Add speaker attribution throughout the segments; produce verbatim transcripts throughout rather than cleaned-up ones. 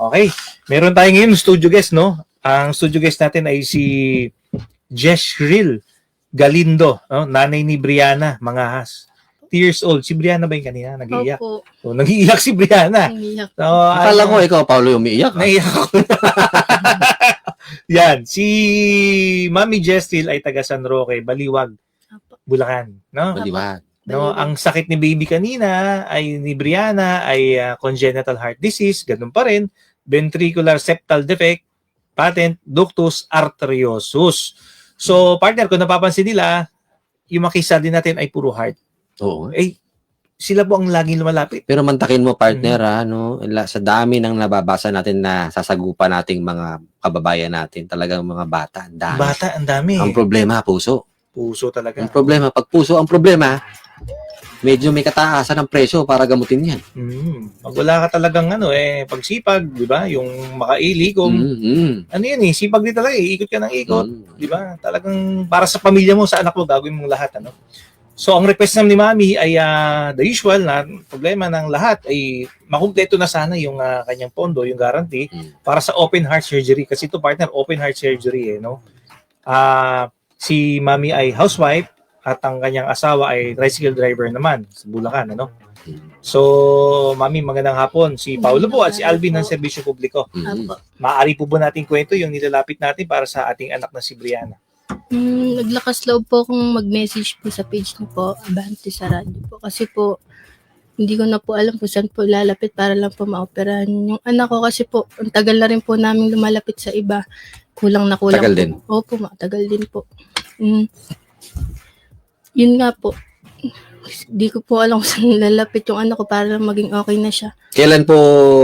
Speaker 1: Okay. Meron tayo ngayon studio guest, no? Ang studio guest natin ay si Jeshril Galindo, no? Nanay ni Brianna Mangahas. three years old. Si Brianna ba yung kanina? Nag-iiyak.
Speaker 2: Opo.
Speaker 1: So, nag-iiyak si Brianna.
Speaker 2: Naiiyak.
Speaker 1: So,
Speaker 3: Akala
Speaker 1: ano,
Speaker 3: ko ikaw, Paulo, yung umiiyak. ah.
Speaker 1: naiiyak ako. Yan. Si Mami Jeshril ay taga San Roque, Baliwag,
Speaker 2: Opo.
Speaker 1: Bulacan. No?
Speaker 3: Baliwag.
Speaker 1: No,
Speaker 2: Baliwag.
Speaker 1: ang sakit ni baby kanina ay ni Brianna ay uh, congenital heart disease, ganun pa rin, ventricular septal defect, patent ductus arteriosus. So, partner, kung napapansin nila, yung makisa din natin ay puro heart.
Speaker 3: Oo.
Speaker 1: Eh, sila po ang laging lumalapit.
Speaker 3: Pero mantakin mo, partner, ha, no? La- Sa dami ng nababasa natin na sasagupa nating mga kababayan natin, talagang mga bata, ang dami.
Speaker 1: Bata, ang dami.
Speaker 3: Ang problema, puso.
Speaker 1: Puso talaga.
Speaker 3: Ang problema, pag puso ang problema, medyo may kataasan ng presyo para gamutin yan.
Speaker 1: Mm. Pag wala ka talagang ano, eh, pagsipag, di ba? Yung makaili, kung
Speaker 3: Mm-hmm.
Speaker 1: ano yun eh, sipag din talaga eh, ikot ka ng ikot.
Speaker 3: Mm.
Speaker 1: Di ba? Talagang para sa pamilya mo, sa anak mo, gagawin mong lahat. Ano? So, ang request naman ni Mami ay uh, the usual na problema ng lahat ay makumpleto na sana yung uh, kanyang pondo, yung guarantee,
Speaker 3: Mm.
Speaker 1: para sa open heart surgery. Kasi ito, partner, open heart surgery eh, no? Ah, si Mami ay housewife at ang kanyang asawa ay tricycle driver naman sa Bulacan, ano? So, Mami, magandang hapon. Si Paulo po at si Alvin ng Serbisyo Publiko.
Speaker 3: Mm.
Speaker 2: Opo.
Speaker 1: Maaari po ba natin kwento yung nilalapit natin para sa ating anak na si Brianna?
Speaker 2: Hmm, naglakas loob po akong mag-message po sa page niyo po, Abante sa radyo po. Kasi po, hindi ko na po alam kung saan po lalapit para lang po maoperahan yung anak ko. Kasi po, ang tagal na rin po namin lumalapit sa iba. Kulang na kulang
Speaker 3: Tagal
Speaker 2: po.
Speaker 3: din.
Speaker 2: Opo, matagal din po. Hmm. Yun nga po. Hindi ko po alam kung saan lalapit yung anak ko para lang maging okay na siya.
Speaker 3: Kailan po,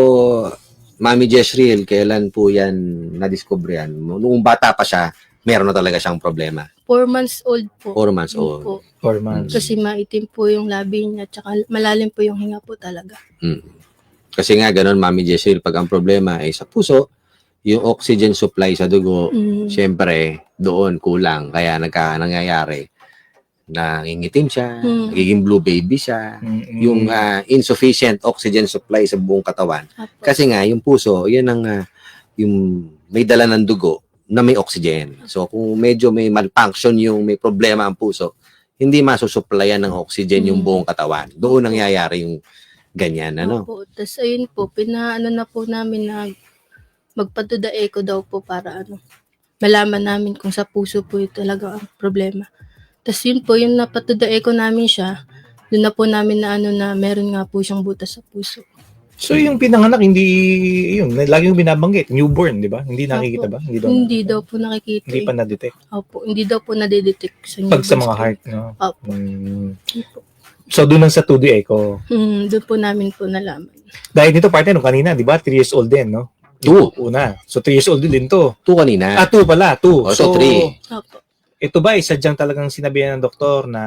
Speaker 3: Mami Jeshril, kailan po yan na-discover yan? Noong bata pa siya, meron na talaga siyang problema.
Speaker 2: Four months old po.
Speaker 3: Four months
Speaker 2: Yun
Speaker 3: old.
Speaker 2: po.
Speaker 1: Four months.
Speaker 2: Kasi maitim po yung labi niya, tsaka malalim po yung hinga po talaga.
Speaker 3: Mm. Kasi nga, ganun, Mami Jeshril, pag ang problema ay sa puso, yung oxygen supply sa dugo,
Speaker 2: Mm.
Speaker 3: syempre, doon kulang. Kaya nagka, nangyayari, nangingitim siya,
Speaker 2: Mm.
Speaker 3: nagiging blue baby siya,
Speaker 1: Mm-mm.
Speaker 3: yung ah, insufficient oxygen supply sa buong katawan.
Speaker 2: Apo.
Speaker 3: Kasi nga, yung puso, yan ang ah, yung may dala ng dugo na may oxygen. So, kung medyo may malfunction yung may problema ang puso, hindi masusupplyan ng oxygen yung
Speaker 2: Mm.
Speaker 3: buong katawan. Doon nangyayari yung ganyan, ano?
Speaker 2: Opo. Tapos ayun po, pinaano na po namin na magpa-do the echo daw po para ano, malaman namin kung sa puso po yung talaga ang problema. Tapos yun po, yung napatu the echo namin siya, doon na po namin na ano na meron nga po siyang butas sa puso.
Speaker 1: So yung pinanganak, hindi, yun, lagi yung binabanggit, newborn, di ba? Hindi nakikita ba? Hindi daw,
Speaker 2: Hindi daw po nakikita.
Speaker 1: hindi
Speaker 2: eh.
Speaker 1: pa na-detect.
Speaker 2: Opo, hindi daw po nadedetect sa
Speaker 1: Pag sa
Speaker 2: newborns
Speaker 1: mga
Speaker 2: po.
Speaker 1: heart, no?
Speaker 2: Opo.
Speaker 1: Mm. So doon lang sa two D echo.
Speaker 2: Hmm, doon po namin po nalaman.
Speaker 1: Dahil dito partner, nung kanina, di ba? three years old din, no?
Speaker 3: Two.
Speaker 1: Una. So three years old din to.
Speaker 3: Two kanina.
Speaker 1: Ah, two pala, two.
Speaker 3: O, so, three.
Speaker 2: Opo.
Speaker 1: Ito ba, isa diyang talagang sinabihan ng doktor na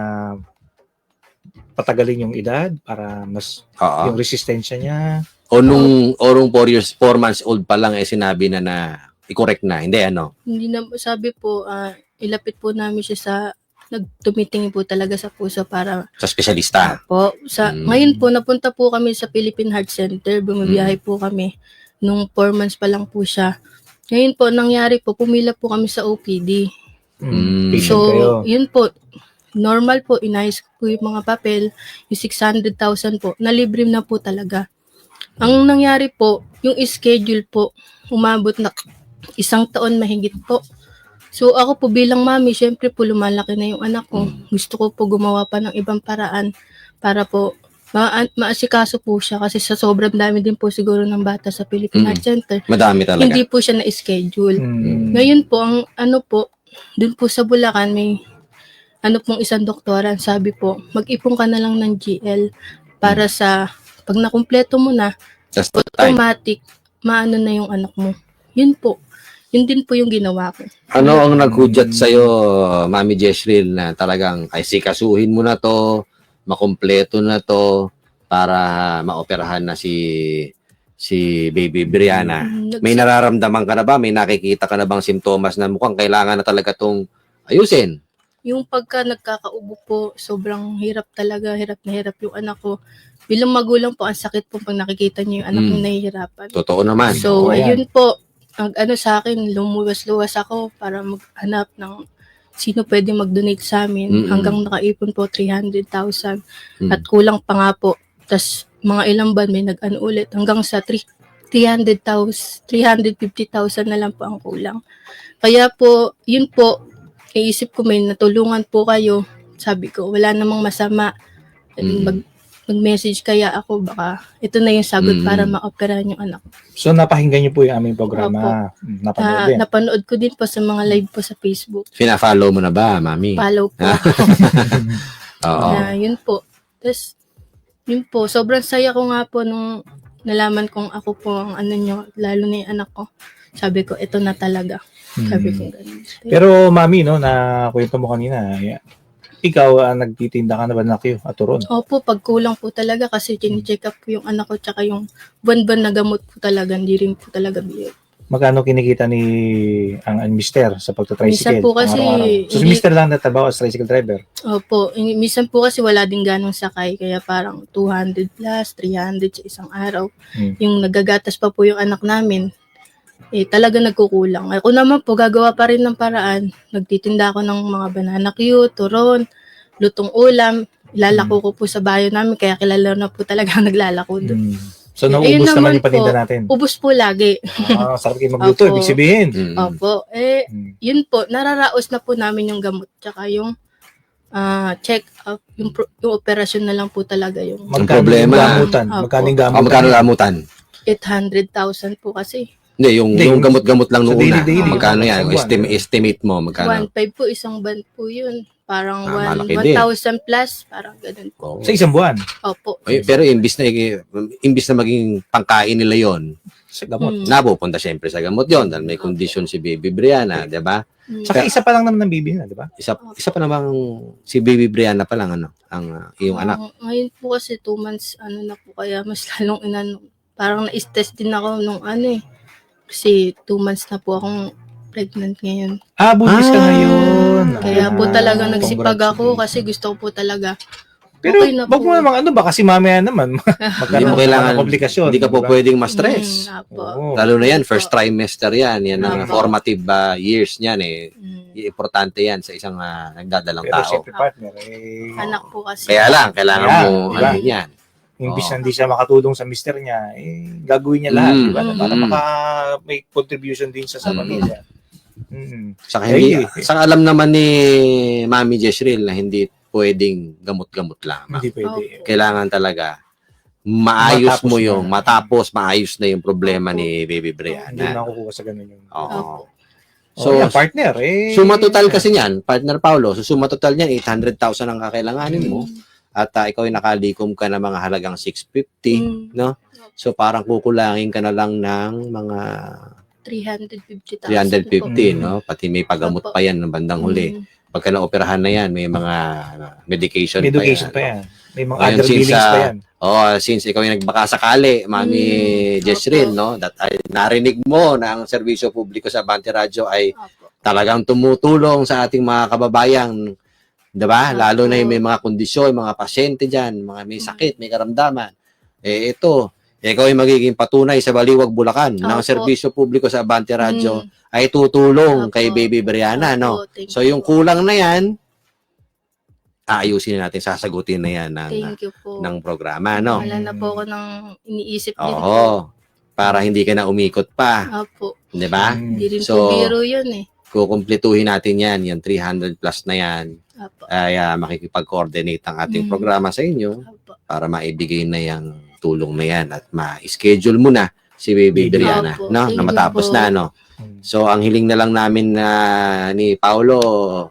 Speaker 1: patagalin yung edad para mas
Speaker 3: Oo.
Speaker 1: yung resistensya niya?
Speaker 3: O nung, o nung four years, four months old pa lang, eh, sinabi na na i-correct na. Hindi, ano?
Speaker 2: Hindi na, sabi po, ah, ilapit po namin siya sa, nagtumitingin po talaga sa puso para
Speaker 3: Sa espesyalista.
Speaker 2: po. Sa,
Speaker 3: Mm.
Speaker 2: Ngayon po, napunta po kami sa Philippine Heart Center. Bumabiyahe po kami. Nung four months pa lang po siya. Ngayon po, nangyari po, pumila po kami sa O P D.
Speaker 1: Mm.
Speaker 3: Mm.
Speaker 1: Patient
Speaker 2: So,
Speaker 1: kayo.
Speaker 2: yun po, normal po, inayos ko po yung mga papel, yung six hundred thousand po, nalibre na po talaga. Ang nangyari po, yung schedule po, umabot na isang taon mahigit po. So, ako po bilang mami, syempre po lumalaki na yung anak ko. Gusto ko po gumawa pa ng ibang paraan para po ma- maasikaso po siya kasi sa sobrang dami din po siguro ng bata sa Philippine
Speaker 3: Mm.
Speaker 2: Heart Center.
Speaker 3: Madami talaga.
Speaker 2: Hindi po siya na-schedule.
Speaker 1: Mm.
Speaker 2: Ngayon po, ang ano po, dun po sa Bulacan, may ano pong isang doktora, sabi po, mag-ipon ka na lang ng G L para sa, pag nakumpleto mo na,
Speaker 3: Just the time.
Speaker 2: automatic, maano na yung anak mo. Yun po. Yun din po yung ginawa ko.
Speaker 3: Ano ang naghudyat sa'yo, Mami Jeshril, na talagang ay sikasuhin mo na to, makumpleto na to, para maoperahan na si si Baby Brianna?
Speaker 2: Nag-
Speaker 3: May nararamdaman ka na ba? May nakikita ka na bang simptomas na mukhang kailangan na talaga tong ayusin?
Speaker 2: Yung pagka nagkakaubo po, sobrang hirap talaga, hirap na hirap yung anak ko. bilang magulang po, ang sakit po pag nakikita niyo yung anak
Speaker 3: Mm.
Speaker 2: niyo nahihirapan.
Speaker 3: Totoo naman.
Speaker 2: So,
Speaker 3: Oo,
Speaker 1: yan.
Speaker 2: ayun po, ang ano sa akin, lumuwas-luwas ako para maghanap ng sino pwede mag-donate sa amin.
Speaker 3: Mm-mm.
Speaker 2: Hanggang nakaipon po three hundred thousand.
Speaker 3: Mm.
Speaker 2: At kulang pa nga po. Tapos, mga ilang ban may nag-ano ulit. Hanggang sa three hundred thousand, three hundred fifty thousand na lang po ang kulang. Kaya po, yun po, iisip ko may natulungan po kayo. Sabi ko, wala namang masama.
Speaker 3: Mm.
Speaker 2: Mag, mag-message kaya ako, baka ito na yung sagot
Speaker 3: Mm.
Speaker 2: para ma-operahan yung anak ko.
Speaker 1: So napakinggan niyo po yung aming programa. Mm, Napanood
Speaker 2: Ah,
Speaker 1: din.
Speaker 2: napanood ko din po sa mga live po sa Facebook.
Speaker 3: Fina-follow mo na ba, Mami?
Speaker 2: Follow po
Speaker 3: Ah.
Speaker 2: ako.
Speaker 3: Oo.
Speaker 2: Na, yun po. Tapos, yun po, sobrang saya ko nga po nung nalaman kong ako po ang ano nyo, lalo na yung anak ko. Sabi ko, ito na talaga. Sabi ko
Speaker 1: Mm.
Speaker 2: ganun.
Speaker 1: Pero mami, no, na kwento mo kanina, yeah, ikaw ah, nagtitinda ka na ba na Q at turon?
Speaker 2: Opo, pag kulang po talaga kasi chine-check up po yung anak ko tsaka yung buwan-buwan na gamot po talaga, hindi rin po talaga bigay.
Speaker 1: Magkano kinikita ni ang, ang mister sa
Speaker 2: Minsan
Speaker 1: pagta-tricycle?
Speaker 2: po kasi,
Speaker 1: pang-araw-araw? So si
Speaker 2: hindi-
Speaker 1: mister lang natabaw as tricycle driver?
Speaker 2: Opo, in- minsan po kasi wala din ganong sakay, kaya parang two hundred plus, three hundred sa isang araw.
Speaker 1: Hmm.
Speaker 2: Yung nagagatas pa po yung anak namin, eh talaga nagkukulang. Ako naman po, gagawa pa rin ng paraan. Nagtitinda ako ng mga banana Q, turon, lutong ulam, ilalako ko po sa bayo namin, kaya kilala na po talaga ang naglalako doon.
Speaker 1: Hmm. So
Speaker 2: Eh,
Speaker 1: nauubos
Speaker 2: ayun
Speaker 1: naman
Speaker 2: naman
Speaker 1: yung paninda
Speaker 2: po.
Speaker 1: natin.
Speaker 2: Ubus po lagi.
Speaker 1: Ah, sarap kayo magluto,
Speaker 2: Opo.
Speaker 1: ibig sabihin.
Speaker 3: Mm.
Speaker 2: Opo, eh,
Speaker 1: Hmm.
Speaker 2: yun po, nararaos na po namin yung gamot, tsaka yung ah, check up, yung, pro- yung operasyon na lang po talaga yung
Speaker 1: Magkano
Speaker 3: problema.
Speaker 1: yung gamutan?
Speaker 2: Opo.
Speaker 1: Magkano yung
Speaker 3: Oh,
Speaker 1: gamutan?
Speaker 3: magkano gamutan?
Speaker 2: eight hundred thousand po kasi.
Speaker 3: Hindi, yung,
Speaker 1: Hindi,
Speaker 3: yung
Speaker 1: yung-
Speaker 3: gamot-gamot lang
Speaker 1: sa
Speaker 3: noong una.
Speaker 1: daily-daily,
Speaker 3: Magkano
Speaker 1: yung
Speaker 3: yan?
Speaker 1: isang buwan.
Speaker 3: Estim- estimate mo,
Speaker 2: one
Speaker 3: magkano?
Speaker 2: five po, isang band po yun. Parang
Speaker 3: Ah,
Speaker 2: one-
Speaker 3: malaki din.
Speaker 2: one thousand plus, parang ganun po.
Speaker 3: Oo.
Speaker 1: Sa isang buwan?
Speaker 2: Opo.
Speaker 3: Ay, pero imbis na, imbis na maging pangkain nila yon,
Speaker 1: Sa gamot.
Speaker 2: Mm.
Speaker 3: napupunta siyempre sa gamot yon dahil may condition si Baby Brianna, di ba?
Speaker 2: Mm.
Speaker 1: Saka isa pa lang naman ng bibi na, di ba?
Speaker 3: Isa, isa pa namang si Baby Brianna pa lang, ano, ang uh, iyong anak.
Speaker 2: Ang- Ngayon po kasi two months, ano na po, kaya mas lalong inano. Parang na-stress din ako nung ano eh. Kasi two months na po akong pregnant ngayon.
Speaker 1: Ah, buntis ka
Speaker 3: Ah,
Speaker 1: ngayon.
Speaker 2: Kaya po
Speaker 1: Ah,
Speaker 2: talaga nagsipag
Speaker 1: congrats.
Speaker 2: ako kasi gusto ko po talaga.
Speaker 1: Pero
Speaker 2: Okay na
Speaker 1: wag mo
Speaker 2: po.
Speaker 1: namang ano ba kasi mamaya naman
Speaker 3: Hindi
Speaker 1: magkaroon
Speaker 3: mo
Speaker 1: ng
Speaker 3: kailangan,
Speaker 1: mga komplikasyon.
Speaker 3: hindi ka po
Speaker 1: diba?
Speaker 3: pwedeng ma-stress.
Speaker 2: Mm, apo.
Speaker 1: Oo.
Speaker 3: Lalo na yan,
Speaker 2: Opo.
Speaker 3: first trimester yan. Yan ang
Speaker 2: Opo.
Speaker 3: formative uh, years niyan eh.
Speaker 2: Mm.
Speaker 3: Importante yan sa isang uh, nagdadalang
Speaker 1: Pero
Speaker 3: tao.
Speaker 1: siyempre partner, eh,
Speaker 2: Anak po kasi.
Speaker 3: Kaya lang, kailangan
Speaker 1: Kaya,
Speaker 3: mo,
Speaker 1: diba?
Speaker 3: ano yan.
Speaker 1: imbis
Speaker 3: Oo.
Speaker 1: na hindi siya makatulong sa mister niya, eh, gagawin niya lahat,
Speaker 3: Mm.
Speaker 1: di ba? Para
Speaker 3: Mm.
Speaker 1: maka may contribution din sa sa
Speaker 3: Mm.
Speaker 1: pamilya. Mm.
Speaker 3: Saka, hindi,
Speaker 1: Eh,
Speaker 3: saka alam naman ni Mami Jezreel na hindi pwedeng gamot-gamot lamang.
Speaker 1: Hindi pwede.
Speaker 2: Opo.
Speaker 3: Kailangan talaga maayos
Speaker 1: Matapos
Speaker 3: mo
Speaker 1: na.
Speaker 3: yung, matapos maayos na yung problema
Speaker 2: Opo.
Speaker 3: ni Baby
Speaker 1: Hindi
Speaker 3: Brianna.
Speaker 1: makukuha sa ganun yun.
Speaker 3: Oo.
Speaker 2: Opo.
Speaker 1: So,
Speaker 3: So,
Speaker 1: yan, partner, eh.
Speaker 3: suma total kasi niyan, partner Paulo, so suma total niyan, eight hundred thousand ang kakailanganin mo. At uh, ikaw ay nakalikom ka ng mga halagang six fifty,
Speaker 2: Mm.
Speaker 3: no? So parang kukulangin ka na lang ng mga
Speaker 2: three hundred fifty thousand
Speaker 3: three hundred fifty,
Speaker 1: po.
Speaker 3: no? Pati may pagamot
Speaker 2: Opo.
Speaker 3: pa yan ng bandang huli.
Speaker 2: Mm.
Speaker 3: Pagka naoperahan na yan, may mga uh, medication,
Speaker 1: May education
Speaker 3: pa
Speaker 1: pa
Speaker 3: yan.
Speaker 1: yan. May mga
Speaker 3: Ayun,
Speaker 1: other
Speaker 3: since,
Speaker 1: billings pa
Speaker 3: ah,
Speaker 1: yan.
Speaker 3: Oh, since ikaw ay nagbaka sakali, Mami
Speaker 2: Mm.
Speaker 3: Jezreel,
Speaker 2: Opo.
Speaker 3: no? That ay narinig mo na ang serbisyo publiko sa Abante Radio ay
Speaker 2: Opo.
Speaker 3: talagang tumutulong sa ating mga kababayang, 'di ba?
Speaker 2: Opo.
Speaker 3: Lalo na yung may mga kondisyon, mga pasyente diyan, mga may sakit, may karamdaman. Eh ito, ikaw ay magiging patunay sa Baliwag, Bulacan ng
Speaker 2: Opo.
Speaker 3: serbisyo publiko sa Abante Radio
Speaker 2: Mm.
Speaker 3: ay tutulong
Speaker 2: Opo.
Speaker 3: kay Baby Brianna, no?
Speaker 2: Opo, thank
Speaker 3: So
Speaker 2: you
Speaker 3: yung
Speaker 2: po.
Speaker 3: kulang na 'yan, aayusin na natin, sasagutin na 'yan ng
Speaker 2: Thank you po.
Speaker 3: ng programa, no?
Speaker 2: Wala na po ako ng iniisip din po.
Speaker 3: Oo. Para hindi ka na umikot pa,
Speaker 2: Opo.
Speaker 3: 'di ba?
Speaker 1: Mm.
Speaker 2: Hindi rin
Speaker 3: So,
Speaker 2: po biro yun eh.
Speaker 3: Kukumpletuhin natin 'yan, yung three hundred plus na 'yan.
Speaker 2: Opo.
Speaker 3: Ay ah, makikipag-coordinate ang ating
Speaker 2: Mm.
Speaker 3: programa sa inyo
Speaker 2: Opo.
Speaker 3: para maibigay na yung tulong na 'yan at ma-schedule mo na si Baby
Speaker 1: Opo.
Speaker 3: Brianna, no?
Speaker 2: Thank
Speaker 3: Na
Speaker 2: you
Speaker 3: matapos
Speaker 2: po.
Speaker 3: na, no?
Speaker 1: Mm.
Speaker 3: So, ang hiling na lang namin na ni Paulo,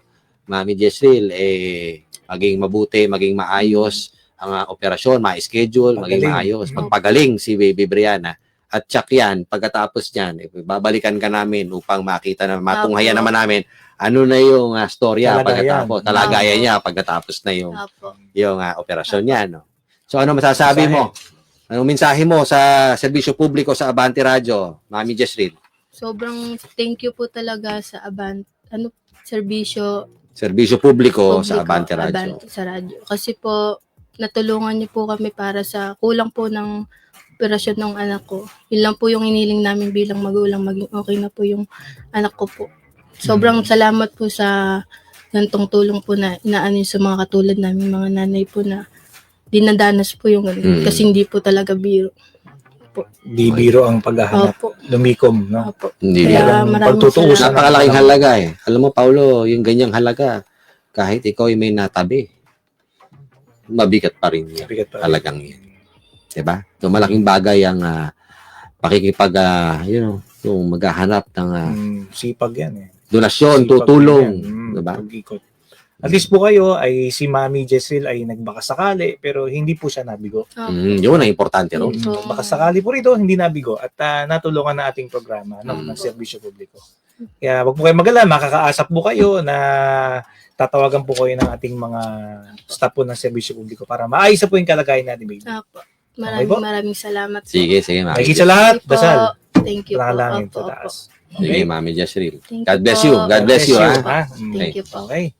Speaker 3: Mami Jezreel, eh, maging mabuti, maging maayos ang ah, operasyon, ma-schedule, maging
Speaker 1: Pagaling.
Speaker 3: maayos,
Speaker 1: Mm.
Speaker 3: magpagaling si Baby Brianna. At tsak yan, pagkatapos yan, eh, babalikan ka namin upang makita na matunghayan
Speaker 2: Apo.
Speaker 3: naman namin ano na yung ah, storya
Speaker 1: Talagayan.
Speaker 3: pagkatapos, talagayan
Speaker 2: Apo.
Speaker 3: niya pagkatapos na yung,
Speaker 2: Opo.
Speaker 3: yung ah, operasyon niya. No? So ano masasabi
Speaker 1: Mensahe.
Speaker 3: mo? Anong mensahe mo sa serbisyo publiko sa Abante Radio, Mami Jezreel?
Speaker 2: Sobrang thank you po talaga sa Avant, ano, serbisyo
Speaker 3: Serbisyo publiko,
Speaker 2: publiko,
Speaker 3: sa Abante Radio.
Speaker 2: Abante sa radyo. Kasi po, natulungan niyo po kami para sa kulang po ng operasyon ng anak ko. Yun lang po yung iniling namin bilang magulang, maging okay na po yung anak ko po. Sobrang salamat po sa gantong tulong po na inaano sa mga katulad namin, mga nanay po na dinadanas po yung ganun.
Speaker 3: Mm.
Speaker 2: Kasi hindi po talaga biro.
Speaker 1: Di biro ang paghahanap.
Speaker 2: Opo.
Speaker 1: Lumikom, no?
Speaker 2: Opo.
Speaker 3: Hindi
Speaker 2: Kaya
Speaker 3: biro.
Speaker 2: maraming
Speaker 1: Pagtutuusan.
Speaker 2: salamat.
Speaker 3: Napakalaking halaga eh. Alam mo, Paulo, yung ganyang halaga, kahit ikaw ay may natabi, mabigat pa rin yan.
Speaker 1: Bigat pa rin.
Speaker 3: Talagang yan. Diba? So, malaking bagay ang ah, pakikipag, ah, you know, yung maghahanap ng ah,
Speaker 1: Mm, sipag yan eh.
Speaker 3: donasyon,
Speaker 1: Sipag
Speaker 3: tutulong.
Speaker 1: yan. Mm,
Speaker 3: Diba?
Speaker 1: pag-ikot. At least po kayo ay si Mami Jezreel ay nagbakasakali pero hindi po siya nabigo.
Speaker 2: Opo.
Speaker 3: Mm, yun ang importante, no?
Speaker 2: Mm.
Speaker 1: Mm, bakasakali po rito, hindi nabigo at ah, natulungan na ating programa no,
Speaker 3: Mm.
Speaker 1: ng serbisyo publiko. Kaya wag po kayo mag-alala, makakaasap po kayo na tatawagan po kayo ng ating mga staff po ng serbisyo publiko para maayos na po yung kalagayan natin, baby.
Speaker 2: Opo.
Speaker 1: Okay
Speaker 2: Maraming
Speaker 1: po?
Speaker 2: maraming salamat po.
Speaker 3: Sige, sige, Mami.
Speaker 1: Mahigit sa lahat,
Speaker 2: Thank you po.
Speaker 1: dasal.
Speaker 2: Thank you po.
Speaker 1: Panalangin
Speaker 2: Opo,
Speaker 1: sa
Speaker 2: opo.
Speaker 1: taas.
Speaker 3: Sige, Mami Jezreel.
Speaker 2: Thank
Speaker 3: God
Speaker 2: you
Speaker 3: bless
Speaker 2: po.
Speaker 3: you. God bless you, ha?
Speaker 1: ha? Mm.
Speaker 2: Thank you po.
Speaker 1: Okay.